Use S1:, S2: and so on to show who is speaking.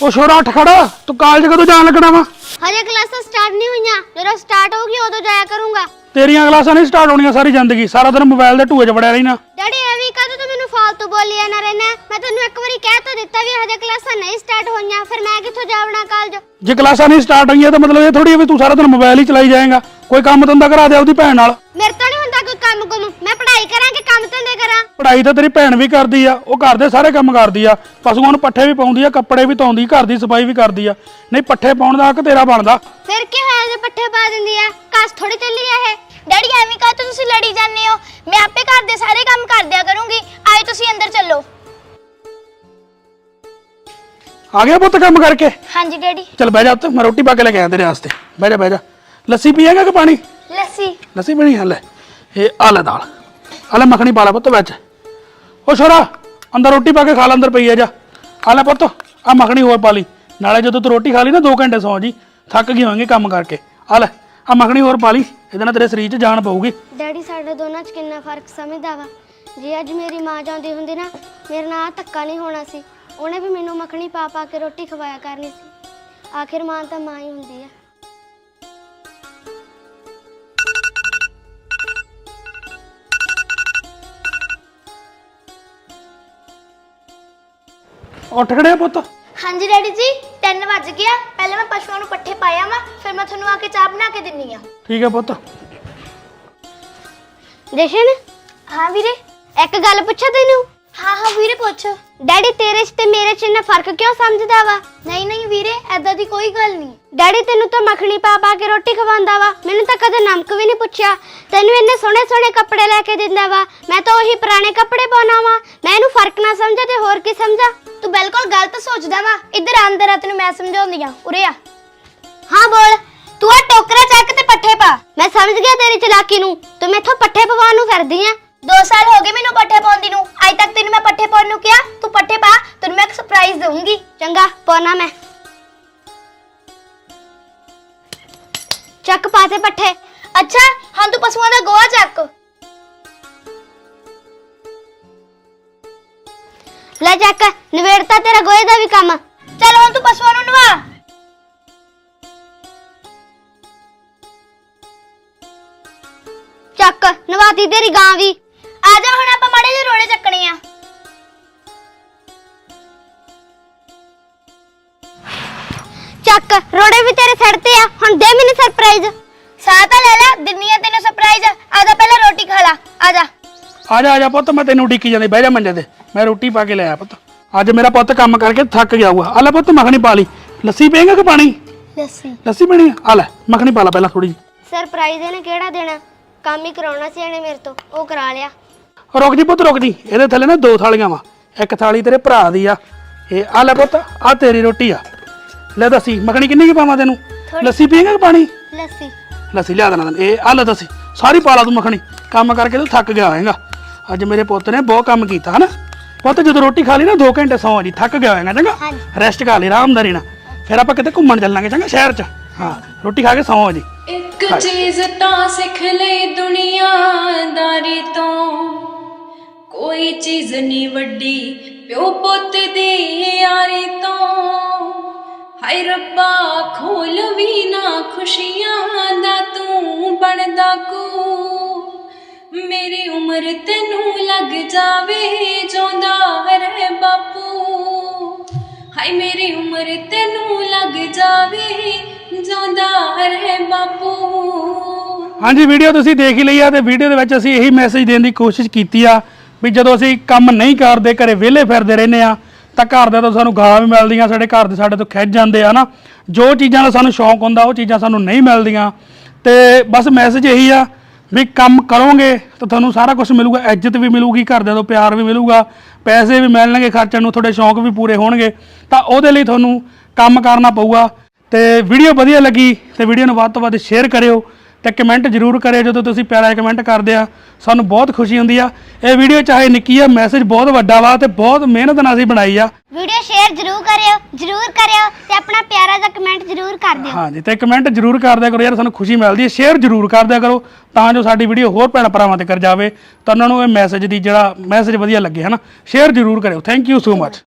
S1: ਉਹ ਛੋਰਾ ਉੱਠ ਖੜਾ, ਤੂੰ ਕਾਲਜ ਕਦੋਂ ਜਾਣ ਲੱਗਣਾ ਵਾ?
S2: ਹਜੇ ਕਲਾਸਾਂ ਸਟਾਰਟ ਨਹੀਂ ਹੋਈਆਂ, ਜਦੋਂ ਸਟਾਰਟ ਹੋਊਗੀ ਉਦੋਂ ਜਾਇਆ ਕਰੂੰਗਾ।
S1: ਤੇਰੀਆਂ ਕਲਾਸਾਂ ਨਹੀਂ ਸਟਾਰਟ ਹੋਣੀਆਂ ਸਾਰੀ ਜ਼ਿੰਦਗੀ, ਸਾਰਾ ਦਿਨ ਮੋਬਾਈਲ ਦੇ ਢੂਏ 'ਚ ਵੜਿਆ ਰਹਿਣਾ।
S2: ਡੈਡੀ ਐਵੇਂ ਕਦੋਂ ਤੂੰ ਮੈਨੂੰ ਫਾਲਤੂ ਬੋਲੀ ਜਾਣਾ ਰਹਿਣਾ? ਮੈਂ ਤੈਨੂੰ ਇੱਕ ਵਾਰੀ ਕਹਿ ਤਾਂ ਦਿੱਤਾ ਵੀ ਹਜੇ ਕਲਾਸਾਂ ਨਹੀਂ ਸਟਾਰਟ ਹੋਈਆਂ, ਫਿਰ ਮੈਂ ਕਿੱਥੋਂ ਜਾਵਣਾ ਕਾਲਜ?
S1: ਜੇ ਕਲਾਸਾਂ ਨਹੀਂ ਸਟਾਰਟ ਹੋਈਆਂ ਤਾਂ ਮਤਲਬ ਇਹ ਥੋੜੀ ਵੀ ਤੂੰ ਸਾਰਾ ਦਿਨ ਮੋਬਾਈਲ ਹੀ ਚਲਾਈ ਜਾਏਗਾ। ਕੋਈ ਕੰਮ ਧੰਦਾ ਕਰਾ ਦੇ ਆਪਦੀ ਭੈਣ ਨਾਲ।
S2: ਮੇਰੇ ਤੋਂ ਨਹੀਂ ਹੁੰਦਾ ਕੋਈ ਕੰਮ ਕੁਮ, ਮੈਂ ਪੜ੍ਹਾਈ ਕਰਾਂ ਕਿ ਕੰਮ ਧੰਦੇ ਕਰਾਂ?
S1: ਪੜ੍ਹਾਈ ਤਾਂ ਤੇਰੀ ਭੈਣ ਵੀ ਕਰਦੀ ਆ, ਉਹ ਘਰ ਦੇ ਸਾਰੇ ਕੰਮ ਕਰਦੀ ਆ, ਪਸ਼ੂਆਂ ਨੂੰ ਪੱਠੇ ਵੀ ਪਾਉਂਦੀ ਆ, ਕੱਪੜੇ ਵੀ ਧੋਂਦੀ, ਘਰ ਦੀ ਸਫਾਈ ਵੀ ਕਰਦੀ ਆ। ਨਹੀਂ ਪੱਠੇ ਪਾਉਣ ਦਾ ਹੱਕ ਤੇਰਾ ਬਣਦਾ।
S2: ਫਿਰ ਕੀ ਹੋਇਆ ਜੇ ਪੱਠੇ ਪਾ ਦਿੰਦੀ ਆ? ਕਾਸ ਥੋੜੀ ਚੱਲੀ ਆ ਇਹ। ਡੈਡੀ ਐਵੇਂ ਕਾ ਤੁਸੀਂ ਲੜੀ ਜਾਂਦੇ ਹੋ? ਮੈਂ ਆਪੇ ਘਰ ਦੇ ਸਾਰੇ ਕੰਮ ਕਰ ਦਿਆ ਕਰੂੰਗੀ। ਆਏ ਤੁਸੀਂ ਅੰਦਰ ਚੱਲੋ।
S1: ਆ ਗਿਆ ਪੁੱਤ ਕੰਮ ਕਰਕੇ?
S2: ਹਾਂਜੀ ਡੈਡੀ।
S1: ਚੱਲ ਬਹਿ ਜਾ ਉੱਤੇ, ਮੈਂ ਰੋਟੀ ਪਾ ਕੇ ਲੈ ਕੇ ਆਇਆ ਤੇਰੇ ਵਾਸਤੇ। ਬਹਿ ਜਾ ਬਹਿ ਜਾ। ਲੱਸੀ ਪੀਏਗਾ ਕਿ ਪਾਣੀ?
S2: ਲੱਸੀ।
S1: ਲੱਸੀ ਪੀਣੀ ਹੈ? ਲੈ ਇਹ ਆ ਲੈ ਦਾਲ, ਆ ਲੈ ਮੱਖਣੀ ਪਾ ਲੈ ਪੁੱਤ ਵਿੱਚ। ਉਹ ਛੋਰਾ ਅੰਦਰ ਰੋਟੀ ਪਾ ਕੇ ਖਾ ਲੈ, ਅੰਦਰ ਪਈ ਆ ਜਾ। ਆ ਲੈ ਪੁੱਤ ਆ ਮੱਖਣੀ ਹੋਰ ਪਾ ਲਈ, ਨਾਲੇ ਜਦੋਂ ਤੂੰ ਰੋਟੀ ਖਾ ਲਈ ਨਾ 2 ਘੰਟੇ ਸੌਂ ਜੀ, ਥੱਕ ਗਈ ਹੋਵੇਂਗੀ ਕੰਮ ਕਰਕੇ। ਆ ਲੈ ਆ ਮੱਖਣੀ ਹੋਰ ਪਾ ਲਈ, ਇਹਦੇ ਨਾਲ ਤੇਰੇ ਸਰੀਰ 'ਚ ਜਾਨ ਪਊਗੀ।
S2: ਡੈਡੀ ਸਾਡੇ ਦੋਨਾਂ 'ਚ ਕਿੰਨਾ ਫਰਕ ਸਮਝਦਾ ਵਾ। ਜੇ ਅੱਜ ਮੇਰੀ ਮਾਂ ਜਾਂਦੀ ਹੁੰਦੀ ਨਾ, ਮੇਰੇ ਨਾਲ ਧੱਕਾ ਨਹੀਂ ਹੋਣਾ ਸੀ। ਉਹਨੇ ਵੀ ਮੈਨੂੰ ਮੱਖਣੀ ਪਾ ਪਾ ਕੇ ਰੋਟੀ ਖਵਾਇਆ ਕਰਨੀ ਸੀ। ਆਖਿਰ ਮਾਂ ਤਾਂ ਮਾਂ ਹੀ ਹੁੰਦੀ ਆ।
S1: ਉੱਠ ਖੜਿਆ ਪੁੱਤ?
S2: ਹਾਂਜੀ ਡੈਡੀ ਜੀ, 3 ਵੱਜ ਗਿਆ। ਪਹਿਲਾਂ ਮੈਂ ਪਸ਼ੂਆਂ ਨੂੰ ਪੱਠੇ ਪਾਇਆ ਵਾ, ਫਿਰ ਮੈਂ ਤੁਹਾਨੂੰ ਆ ਕੇ ਚਾਹ ਬਣਾ ਕੇ ਦਿੰਨੀ ਆ।
S1: ਠੀਕ ਹੈ ਪੁੱਤ।
S2: ਜਸ਼ਨ। ਹਾਂ ਵੀਰੇ। ਇੱਕ ਗੱਲ ਪੁੱਛਾਂ ਤੈਨੂੰ? ਹਾਂ ਹਾਂ ਵੀਰੇ ਪੁੱਛ। ਡੈਡੀ ਤੇਰੇ 'ਚ ਤੇ ਮੇਰੇ 'ਚ ਇੰਨਾ ਫਰਕ ਕਿਉਂ ਸਮਝਦਾ ਵਾ? ਨਹੀਂ ਨਹੀਂ ਵੀਰੇ, ਐਦਾਂ ਦੀ ਕੋਈ ਗੱਲ ਨਹੀਂ। ਡੈਡੀ ਤੈਨੂੰ ਤਾਂ ਮੱਖਣੀ ਪਾ ਪਾ ਕੇ ਰੋਟੀ ਖਵਾਉਂਦਾ ਵਾ, ਮੈਨੂੰ ਤਾਂ ਕਦੇ ਨਮਕ ਵੀ ਨਹੀਂ ਪੁੱਛਿਆ। ਤੈਨੂੰ ਇੰਨੇ ਸੋਹਣੇ ਸੋਹਣੇ ਕੱਪੜੇ ਲੈ ਕੇ ਦਿੰਦਾ ਵਾ, ਮੈਂ ਤਾਂ ਉਹੀ ਪੁਰਾਣੇ ਕੱਪੜੇ ਪਾਉਣਾ ਵਾ। ਮੈਂ ਇਹਨੂੰ ਫਰਕ ਨਾ ਸਮਝਾ ਤੇ ਹੋਰ ਕੀ ਸਮਝਾ? ਤੂੰ ਬਿਲਕੁਲ ਗਲਤ ਸੋਚਦਾ ਵਾ। ਇੱਧਰ ਅੰਦਰ ਆ, ਤੈਨੂੰ ਮੈਂ ਸਮਝਾਉਂਦੀ ਆ। ਉਰੇ ਆ। ਹਾਂ ਬੋਲ। ਤੂੰ ਆ ਟੋਕਰਾ ਚੱਕ ਤੇ ਪੱਠੇ ਪਾ। ਮੈਂ ਸਮਝ ਗਿਆ ਤੇਰੀ ਚਲਾਕੀ ਨੂੰ। ਤੂੰ ਮੈਥੋਂ ਪੱਠੇ ਪਵਾਉਣ ਨੂੰ ਫਿਰਦੀ ਆ। 2 ਸਾਲ ਹੋ ਗਏ ਮੈਨੂੰ ਪੱਠੇ ਪਾਉਂਦੀ ਨੂੰ, ਅੱਜ ਤੱਕ ਤੈਨੂੰ ਮੈਂ ਪੱਠੇ ਪਾਉਣ ਨੂੰ ਕਿਹਾ? ਤੂੰ ਪੱਠੇ ਪਾ, ਤੈਨੂੰ ਮੈਂ ਇੱਕ ਸਰਪ੍ਰਾਈਜ਼ ਦਊਂਗੀ। ਚੰਗਾ ਪਾਉਣਾ ਮੈਂ। ਚੱਕ ਪਾ ਤੇ ਪੱਠੇ। ਅੱਛਾ ਹਾਂ ਤੂੰ ਪਸ਼ੂਆਂ ਦਾ ਗੋਹਾ ਚੱਕ ਲੈ। ਚੱਕ ਨਵੇੜਤਾ ਤੇਰਾ ਗੋਹੇ ਦਾ ਵੀ ਕੰਮ। ਚੱਲ ਹੁਣ ਤੂੰ ਪਸ਼ੂਆਂ ਨੂੰ ਨਵਾ। ਚੱਕ ਨਵਾਤੀ ਤੇਰੀ ਗਾਂ ਵੀ। ਆ ਜਾ ਹੁਣ ਆਪਾਂ ਮਾੜੇ ਜਿਹੇ ਰੋੜੇ ਚੱਕਣੇ ਆ। ਚੱਕ ਰੋੜੇ ਵੀ ਤੇਰੇ ਸਿਰ ਤੇ ਆ। ਹੁਣ ਦੇ ਮੈਨੂੰ ਸਰਪ੍ਰਾਈਜ਼। ਸਾਹ ਤਾਂ ਲੈ ਲੈ, ਦਿੰਨੀ ਆ ਤੈਨੂੰ ਸਰਪ੍ਰਾਈਜ਼। ਆ ਜਾ ਪਹਿਲਾਂ ਰੋਟੀ ਖਾ ਲਾ। ਆ ਜਾ
S1: ਆ ਜਾ ਪੁੱਤ, ਮੈਂ ਤੈਨੂੰ ਉਡੀਕੀ ਜਾਂਦੀ। ਬਹਿ ਜਾ ਮੰਜੇ ਤੇ, ਮੈਂ ਰੋਟੀ ਪਾ ਕੇ ਲੈ ਆਇਆ ਪੁੱਤ। ਅੱਜ ਮੇਰਾ ਪੁੱਤ ਕੰਮ ਕਰਕੇ ਥੱਕ ਗਿਆ ਹੋਊਗਾ। ਆ ਲੈ ਪੁੱਤ ਮੱਖਣੀ ਪਾ ਲਈ। ਲੱਸੀ ਪੀਏਗਾ ਕਿ ਪਾਣੀ?
S2: ਲੱਸੀ।
S1: ਲੱਸੀ ਪੀਣੀ ਆ? ਆ ਲੈ ਮੱਖਣੀ ਪਾ ਲੈ ਪਹਿਲਾਂ ਥੋੜੀ ਜਿਹੀ।
S2: ਸਰਪ੍ਰਾਈਜ਼ ਇਹਨੇ ਕਿਹੜਾ ਦੇਣਾ? ਕੰਮ ਹੀ ਕਰਾਉਣਾ ਸੀ ਇਹਨੇ ਮੇਰੇ ਤੋਂ, ਉਹ ਕਰਾ ਲਿਆ।
S1: ਰੁਕ ਜੀ ਪੁੱਤ ਰੁਕ ਜੀ, ਇਹਦੇ ਥੱਲੇ ਨਾ 2 ਥਾਲੀਆਂ ਵਾ। ਇੱਕ ਥਾਲੀ ਤੇਰੇ ਭਰਾ ਦੀ ਆ, ਇਹ ਆ ਲੈ ਪੁੱਤ ਆ ਤੇਰੀ ਰੋਟੀ ਆ। ਲੈ ਦੱਸੀ ਮੱਖਣੀ ਕਿੰਨੀ ਕੀ ਪਾਵਾਂ ਤੈਨੂੰ? ਲੱਸੀ ਪੀਏਗਾ ਕਿ ਪਾਣੀ?
S2: ਲੱਸੀ।
S1: ਲੱਸੀ ਲਿਆ ਦੇਣਾ ਤੈਨੂੰ। ਇਹ ਆ ਲੈ ਦੱਸੀ ਸਾਰੀ ਪਾ ਲਾ ਤੂੰ ਮੱਖਣੀ। ਕੰਮ ਕਰਕੇ ਤੂੰ ਥੱਕ ਗਿਆ ਹੋਏਗਾ। ਅੱਜ ਮੇਰੇ ਪੁੱਤ ਨੇ ਬਹੁਤ ਕੰਮ ਕੀਤਾ ਹਨਾ। ਪੁੱਤ ਜਦੋਂ ਰੋਟੀ ਖਾ ਲਈ ਨਾ 2 ਘੰਟੇ ਸੌਂ ਜੀ, ਥੱਕ ਗਿਆ ਹੋਏਗਾ। ਚੰਗਾ ਰੈਸਟ ਕਰ ਲਈ ਆਰਾਮਦਾਰੀ ਨਾਲ, ਫਿਰ ਆਪਾਂ ਕਿਤੇ ਘੁੰਮਣ ਚੱਲਾਂਗੇ। ਚੰਗਾ ਸ਼ਹਿਰ 'ਚ। ਹਾਂ ਰੋਟੀ ਖਾ ਕੇ ਸੌਂ ਜੀ।
S3: ਇੱਕ ਚੀਜ਼ ਤਾਂ ਸਿੱਖ ਲਈ ਦੁਨੀਆਦਾਰੀ ਤੋਂ, ਕੋਈ ਚੀਜ਼ ਨਹੀਂ ਵੱਡੀ ਪਿਓ ਪੁੱਤ ਦੀ ਯਾਰੀ ਤੋਂ। ਹਾਏ ਰੱਬਾ ਖੋਲ ਵੀ ਨਾ ਖੁਸ਼ੀਆਂ ਦਾ ਤੂੰ ਬਣਦਾ ਕੋ। ਮੇਰੀ ਉਮਰ ਤੈਨੂੰ ਲੱਗ ਜਾਵੇ ਜਿਉਂਦਾ ਰਹਿ ਬਾਪੂ। ਹਾਏ ਮੇਰੀ ਉਮਰ ਤੈਨੂੰ ਲੱਗ ਜਾਵੇ ਜਿਉਂਦਾ ਰਹਿ ਬਾਪੂ।
S1: ਹਾਂਜੀ ਵੀਡੀਓ ਤੁਸੀਂ ਦੇਖ ਹੀ ਲਈ ਆ, ਤੇ ਵੀਡੀਓ ਦੇ ਵਿੱਚ ਅਸੀਂ ਇਹੀ ਮੈਸੇਜ ਦੇਣ ਦੀ ਕੋਸ਼ਿਸ਼ ਕੀਤੀ ਆ ਵੀ ਜਦੋਂ ਅਸੀਂ ਕੰਮ ਨਹੀਂ ਕਰਦੇ, ਘਰੇ ਵਿਹਲੇ ਫਿਰਦੇ ਰਹਿੰਦੇ ਆ, ਤਾਂ ਘਰ ਦੇ ਤੋਂ ਸਾਨੂੰ ਗਾਲਾਂ ਵੀ ਮਿਲਦੀਆਂ, ਸਾਡੇ ਘਰ ਦੇ ਸਾਡੇ ਤੋਂ ਖਿੱਚ ਜਾਂਦੇ ਆ ਨਾ। ਜੋ ਚੀਜ਼ਾਂ ਦਾ ਸਾਨੂੰ ਸ਼ੌਂਕ ਹੁੰਦਾ ਉਹ ਚੀਜ਼ਾਂ ਸਾਨੂੰ ਨਹੀਂ ਮਿਲਦੀਆਂ। ਤੇ ਬਸ ਮੈਸੇਜ ਇਹੀ ਆ ਵੀ ਕੰਮ ਕਰੋਗੇ ਤਾਂ ਤੁਹਾਨੂੰ ਸਾਰਾ ਕੁਝ ਮਿਲੂਗਾ। ਇੱਜ਼ਤ ਵੀ ਮਿਲੂਗੀ, ਘਰਦਿਆਂ ਤੋਂ ਪਿਆਰ ਵੀ ਮਿਲੂਗਾ, ਪੈਸੇ ਵੀ ਮਿਲਣਗੇ ਖਰਚਣ ਨੂੰ, ਤੁਹਾਡੇ ਸ਼ੌਂਕ ਵੀ ਪੂਰੇ ਹੋਣਗੇ। ਤਾਂ ਉਹਦੇ ਲਈ ਤੁਹਾਨੂੰ ਕੰਮ ਕਰਨਾ ਪਊਗਾ। ਤੇ ਵੀਡੀਓ ਵਧੀਆ ਲੱਗੀ ਤੇ ਵੀਡੀਓ ਨੂੰ ਵੱਧ ਤੋਂ ਵੱਧ ਸ਼ੇਅਰ ਕਰਿਓ ਤੇ ਕਮੈਂਟ ਜ਼ਰੂਰ ਕਰਿਓ। ਜਦੋਂ ਤੁਸੀਂ ਪਿਆਰਾ ਕਮੈਂਟ ਕਰਦੇ ਆ ਸਾਨੂੰ ਬਹੁਤ ਖੁਸ਼ੀ ਹੁੰਦੀ ਆ। ਇਹ ਵੀਡੀਓ ਚਾਹੇ ਨਿੱਕੀ ਆ, ਮੈਸੇਜ ਬਹੁਤ ਵੱਡਾ ਵਾ ਤੇ ਬਹੁਤ ਮਿਹਨਤ ਨਾਲ ਅਸੀਂ ਬਣਾਈ ਆ।
S2: ਵੀਡੀਓ ਸ਼ੇਅਰ ਜ਼ਰੂਰ ਕਰਿਓ ਤੇ ਆਪਣਾ ਪਿਆਰਾ ਜਿਹਾ ਕਮੈਂਟ ਜ਼ਰੂਰ ਕਰ ਦਿਓ।
S1: ਹਾਂਜੀ ਤੇ ਕਮੈਂਟ ਜ਼ਰੂਰ ਕਰ ਦਿਆ ਕਰੋ ਯਾਰ, ਸਾਨੂੰ ਖੁਸ਼ੀ ਮਿਲਦੀ ਹੈ। ਸ਼ੇਅਰ ਜ਼ਰੂਰ ਕਰ ਦਿਆ ਕਰੋ ਤਾਂ ਜੋ ਸਾਡੀ ਵੀਡੀਓ ਹੋਰ ਭੈਣ ਭਰਾਵਾਂ ਤੱਕ ਜਾਵੇ, ਤਾਂ ਉਹਨਾਂ ਨੂੰ ਇਹ ਮੈਸੇਜ ਦੀ ਜਿਹੜਾ ਮੈਸੇਜ ਵਧੀਆ ਲੱਗੇ ਹਨਾ। ਸ਼ੇਅਰ ਜ਼ਰੂਰ ਕਰਿਓ। Thank you so much.